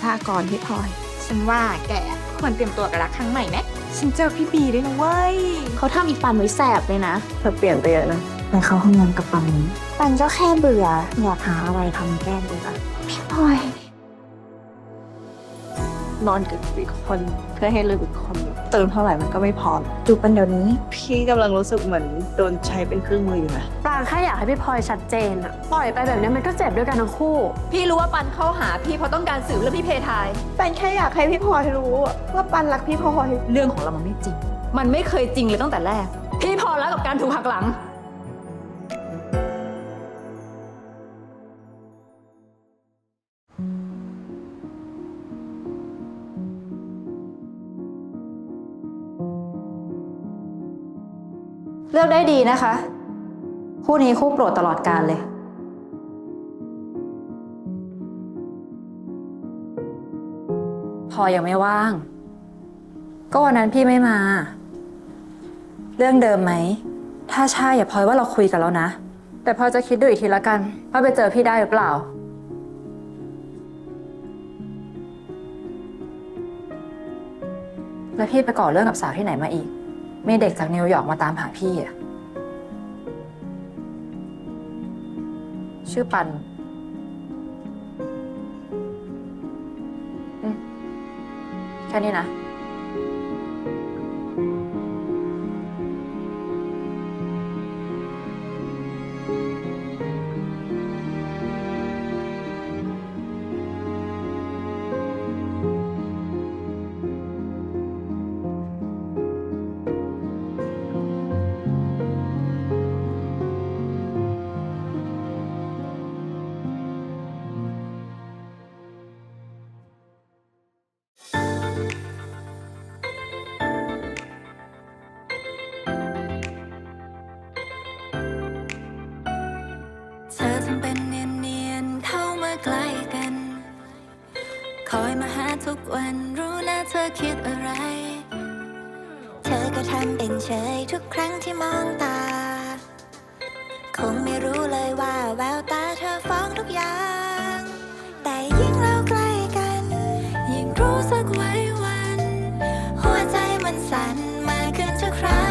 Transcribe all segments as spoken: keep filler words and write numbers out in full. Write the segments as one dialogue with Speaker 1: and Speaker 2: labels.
Speaker 1: ก่อนพี่พลอย
Speaker 2: ฉันว่าแกควรเตรียมตัวกับรักครั้งใหม่ไหม
Speaker 1: ฉันเจอพี่บีด้วยนะเว้ย
Speaker 3: เขาทำอีปันไว้แสบเลยนะ
Speaker 1: เธอเปลี่ยนไปเยอะนะ
Speaker 3: ไปเข้าห้องน้ำกับปันนี้ปันก็แค่เบื่ออยากหาอะไรทำแก้เบื่อพี่พลอย
Speaker 1: นอนกับอีกคนเพื่อให้ลืมอีกคนเติมเท่าไหร่มันก็ไม่พอ
Speaker 3: จูบปันเดี๋ยวนี้
Speaker 1: พี่กำลังรู้สึกเหมือนโดนใช้เป็นเครื่องมืออยู่นะ
Speaker 3: ปรางแค่อยากให้พี่พลอยชัดเจนอะปล่อยไปแบบนี้มันก็เจ็บด้วยกันทั้งคู่
Speaker 2: พี่รู้ว่าปันเข้าหาพี่เพราะต้องการสืบเรื่องพี่เพทาย
Speaker 1: ปันแค่อยากให้พี่พลอยรู้ว่าปันรักพี่พลอย
Speaker 2: เรื่องของเรามันไม่จริงมันไม่เคยจริงเลยตั้งแต่แรกพี่พอแล้วกับการถูกหักหลังเลือกได้ดีนะคะคู่นี้คู่โปรดตลอดกาลเลยพอยังไม่ว่างก็วันนั้นพี่ไม่มาเรื่องเดิมไหมถ้าใช่อย่าพลอยว่าเราคุยกันแล้วนะแต่พอจะคิดดูอีกทีละกันว่าไปเจอพี่ได้หรือเปล่าแล้วพี่ไปก่อเรื่องกับสาวที่ไหนมาอีกมีเด็กจากนิวยอร์กมาตามหาพี่อะชื่อปันอืมแค่นี้นะ
Speaker 4: เธอทำเป็นเนียนๆเข้ามาใกล้กันคอยมาหาทุกวันรู้นะเธอคิดอะไรเธอก็ทำเป็นเฉยทุกครั้งที่มองตาคงไม่รู้เลยว่าแววตาเธอฟ้องทุกอย่างแต่ยิ่งเราใกล้กันยิ่งรู้สึกไว้วันหัวใจมันสั่นมากขึ้นทุกครั้ง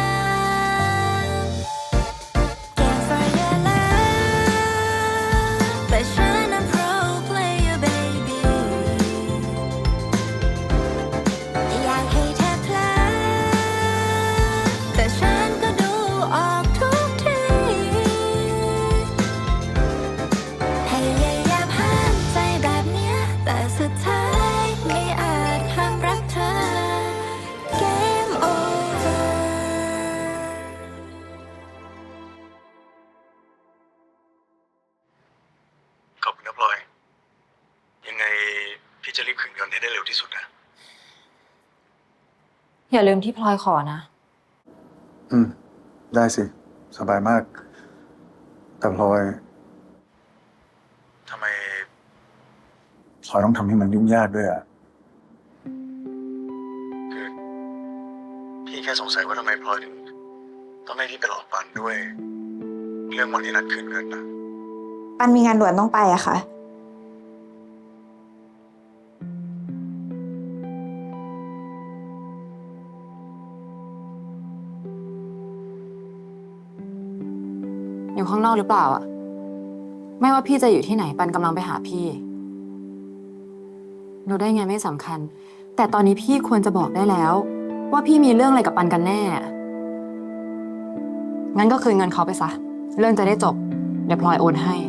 Speaker 5: ขอบคุณนะพลอยยังไงพี่จะรีบคืนเงินให้ได้เร็วที่สุดนะ
Speaker 2: อย่าลืมที่พลอยขอนะ
Speaker 5: อืมได้สิสบายมากแต่พลอยทำไมพลอยต้องทำให้มันยุ่งยากด้วยอ่ะคือพี่แค่สงสัยว่าทำไมพลอยถึงต้องให้พี่ไปหลอกปันด้วยเรื่องวันที่นัดคืนเงินนะ
Speaker 3: ปันมีงานด่วนต้องไปอะค่ะ
Speaker 2: อยู่ข้างนอกหรือเปล่าอะไม่ว่าพี่จะอยู่ที่ไหนปันกำลังไปหาพี่รู้ได้ไงไม่สำคัญแต่ตอนนี้พี่ควรจะบอกได้แล้วว่าพี่มีเรื่องอะไรกับปันกันแน่งั้นก็คืนเงินเขาไปซะเรื่องจะได้จบเดี๋ยวพลอยโอนให้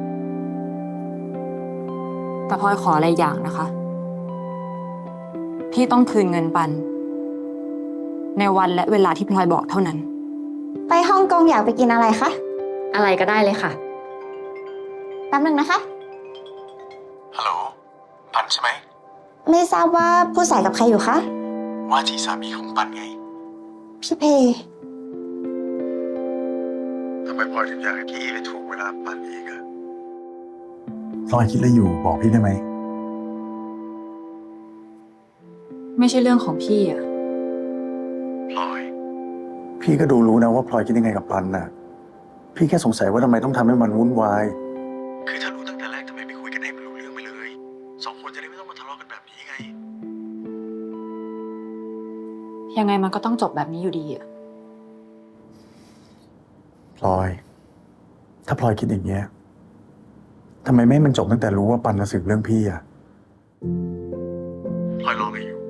Speaker 2: แต่พลอยขออะไรอย่างนะคะพี่ต้องคืนเงินปันในวันและเวลาที่พลอยบอกเท่านั้น
Speaker 3: ไปฮ่องกงอยากไปกินอะไรคะ
Speaker 2: อะไรก็ได้เลยค่ะ
Speaker 3: แป๊บนึงนะคะ
Speaker 5: ฮัลโหลปันใช่ไหม
Speaker 3: ไม่ทราบว่าผู้สายกับใครอยู่คะ
Speaker 5: ว่าที่สามีของปันไง
Speaker 3: พี่เพ
Speaker 5: ทำไมพลอยถึงอยากให้พี่ไปถูกเวลาปันอีกอะพลอยคิดอะไรอยู่บอกพี่ได้ไหม
Speaker 2: ไม่ใช่เรื่องของพี่อะ
Speaker 5: พลอยพี่ก็ดูรู้นะว่าพลอยคิดยังไงกับปันน่ะพี่แค่สงสัยว่าทำไมต้องทำให้มันวุ่นวายคือถ้ารู้ตั้งแต่แรกทำไมไม่คุยกันให้มันรู้เรื่องไปเลยสองคนจะได้ไม่ต้องมา
Speaker 2: ยังไงมันก็ต้องจบแบบนี้อยู่ดีอะ
Speaker 5: พลอย ถ้าพลอยคิดอย่างเงี้ยทำไมไม่ให้มันจบตั้งแต่รู้ว่าปันจะสืบเรื่องพี่อะพลอยรออะไรอยู่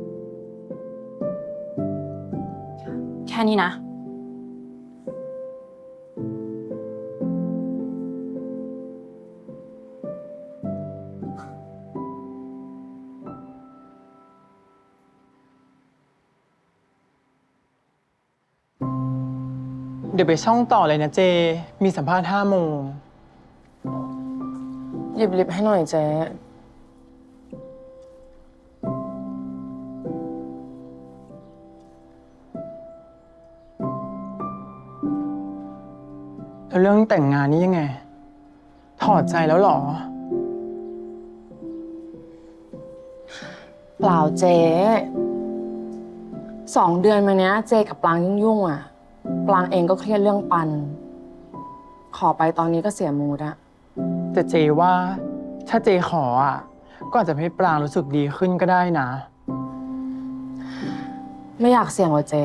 Speaker 2: แค่นี้นะ
Speaker 6: เดี๋ยวไปช่องต่อเลยนะเจ มีสัมภาษณ์ห้าโมง
Speaker 7: หยิบลิปให้หน่อยเจ๊
Speaker 6: แล้วเรื่องแต่งงานนี่ยังไง ถอดใจแล้วเหรอ
Speaker 7: เปล่าเจ๊สองเดือนมาเนี้ยเจกับปลางยุ่งๆอ่ะ ปลางเองก็เครียดเรื่องปัน ขอไปตอนนี้ก็เสียมูดอะ
Speaker 6: แต่เจว่าถ้าเจขออ่ะ ก็อาจจะให้ปรางรู้สึกดีขึ้นก็ได้นะ
Speaker 7: ไม่อยากเสี่ยงว่ะเจ๊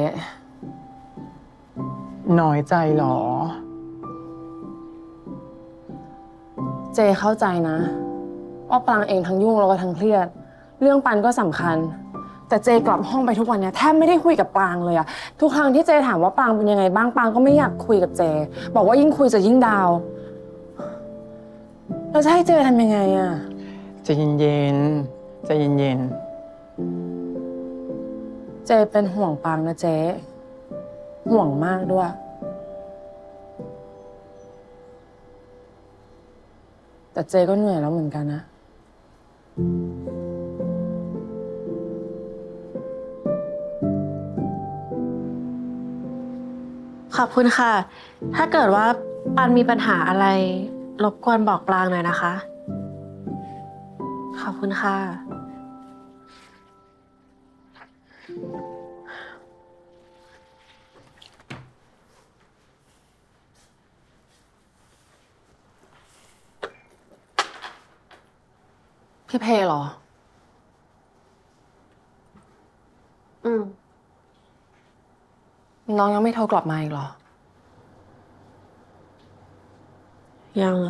Speaker 6: น้อยใจเหรอ
Speaker 7: เจเข้าใจนะว่าปลางเองทั้งยุ่งแล้วก็ทั้งเครียด เรื่องปันก็สำคัญ แต่เจกลับห้องไปทุกวันเนี้ยแทบไม่ได้คุยกับปรางเลยอะทุกครั้งที่เจถามว่าปรางเป็นยังไงบ้างปรางก็ไม่อยากคุยกับเจ บอกว่ายิ่งคุยจะยิ่งดาวเราจะให้เจทำยังไงอะ
Speaker 6: ใจเย็นๆใจเย็น
Speaker 7: เจเป็นห่วงปรางนะเจห่วงมากด้วย แต่เจก็เหนื่อยแล้วเหมือนกันนะ
Speaker 3: ขอบคุณค่ะ ถ้าเกิดว่าปันมีปัญหาอะไร รบกวนบอกปลางหน่อยนะคะ ขอบคุณค่ะ
Speaker 7: พี่เพเหรอ
Speaker 3: อืม
Speaker 7: น้องยังไม่โทรกลับมาอีกเหรอ
Speaker 3: ยังอะ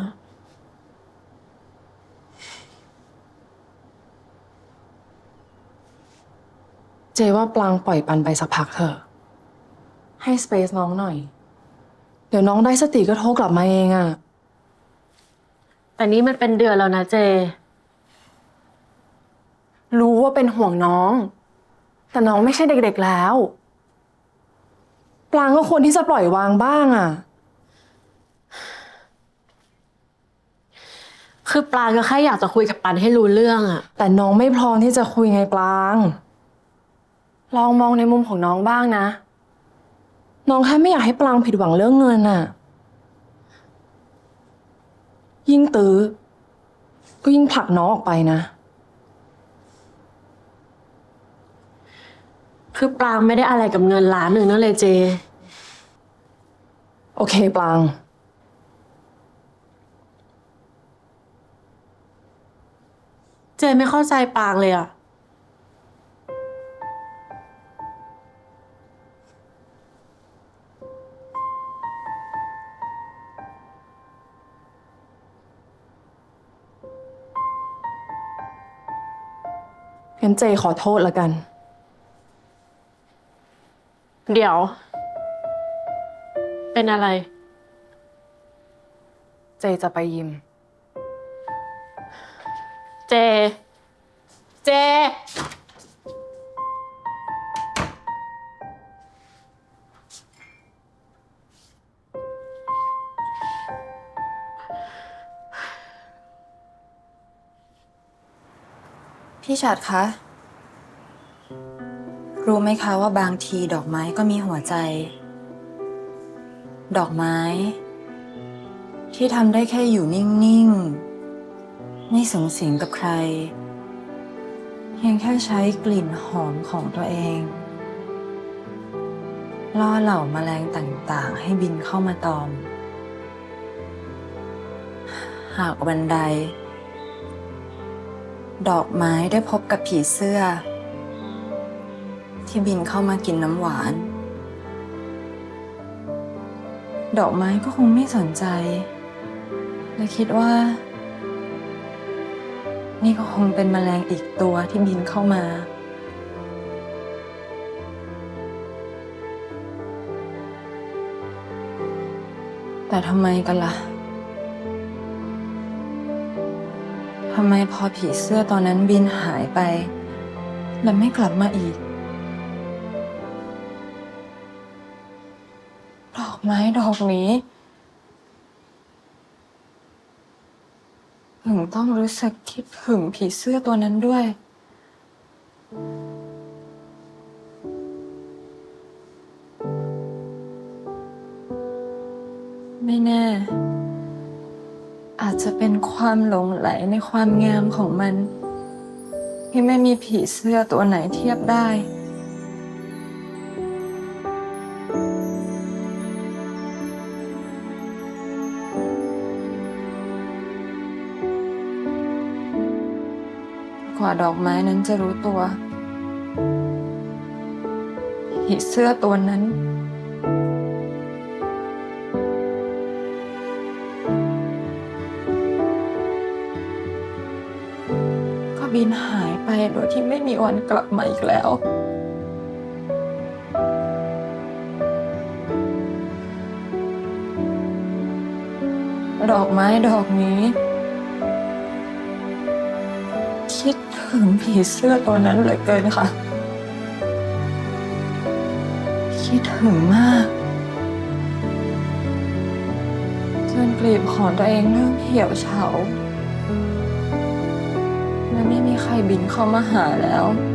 Speaker 7: เจว่าปลางปล่อยปันไปสักพักเถอะ ให้สเปซน้องหน่อย เดี๋ยวน้องได้สติก็โทรกลับมาเองอะ
Speaker 3: แต่นี่มันเป็นเดือนแล้วนะเจ
Speaker 7: รู้ว่าเป็นห่วงน้อง แต่น้องไม่ใช่เด็กๆแล้ว ปลางก็ควรที่จะปล่อยวางบ้างอะ
Speaker 3: คือปลางก็แค่อยากจะคุยกับปันให้รู้เรื่องอะ
Speaker 7: แต่น้องไม่พร้อมที่จะคุยไงปลาง ลองมองในมุมของน้องบ้างนะ น้องแค่ไม่อยากให้ปลางผิดหวังเรื่องเงินน่ะ ยิ่งตื้อก็ยิ่งผลักน้องออกไปนะ
Speaker 3: คือปลางไม่ได้อะไรกับเงินล้านหนึ่งนั่นเลยเจ
Speaker 7: โอเคปลาง
Speaker 3: เจไม่เข้าใจปลางเลยอะ
Speaker 7: งั้นเจขอโทษละกัน
Speaker 3: เดี๋ยว เป็นอะไร
Speaker 7: เจจะไปยิม
Speaker 3: เจ เจ
Speaker 2: พี่ฉัดคะ รู้ไหมคะว่าบางทีดอกไม้ก็มีหัวใจ ดอกไม้ ที่ทำได้แค่อยู่นิ่งๆ ไม่สูงสิงกับใคร เพียงแค่ใช้กลิ่นหอมของตัวเอง ล่อเหล่าแมลงต่างๆ ให้บินเข้ามาตอม หากวันใด ดอกไม้ได้พบกับผีเสื้อที่บินเข้ามากินน้ำหวาน ดอกไม้ก็คงไม่สนใจ และคิดว่า นี่ก็คงเป็นแมลงอีกตัวที่บินเข้ามา แต่ทำไมกันล่ะ ทำไมพอผีเสื้อตอนนั้นบินหายไป แล้วไม่กลับมาอีก ดอกไม้ดอกนี้ถึงต้องรู้สึกคิดถึงผีเสื้อตัวนั้นด้วย ไม่แน่ อาจจะเป็นความหลงไหลในความงามของมัน ที่ไม่มีผีเสื้อตัวไหนเทียบได้ กว่าดอกไม้นั้นจะรู้ตัว ผีเสื้อตัวนั้น ก็บินหายไปโดยที่ไม่มีวันกลับมาอีกแล้ว ดอกไม้ดอกนี้ คิดถึงผีเสื้อตัวนั้นเหลือเกินค่ะ คิดถึงมากจนกลีบของตัวเองเริ่มเหี่ยวเฉาและไม่มีใครบินเข้ามาหาแล้ว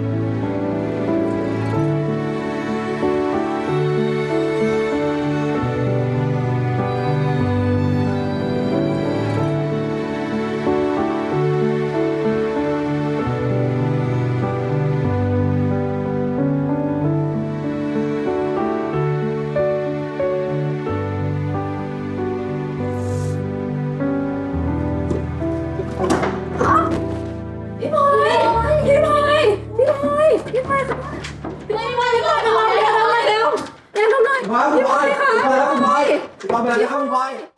Speaker 2: พี่พลอยพี่พลอยพี่พลอยพี่พลอยค่ะพี่พลอยพี่พลอยพี่พลอยทำไมเร็วทำไมเร็วเร็วทำไมพี่พลอยค่ะพี่พลอยพี่พลอยพี่พลอย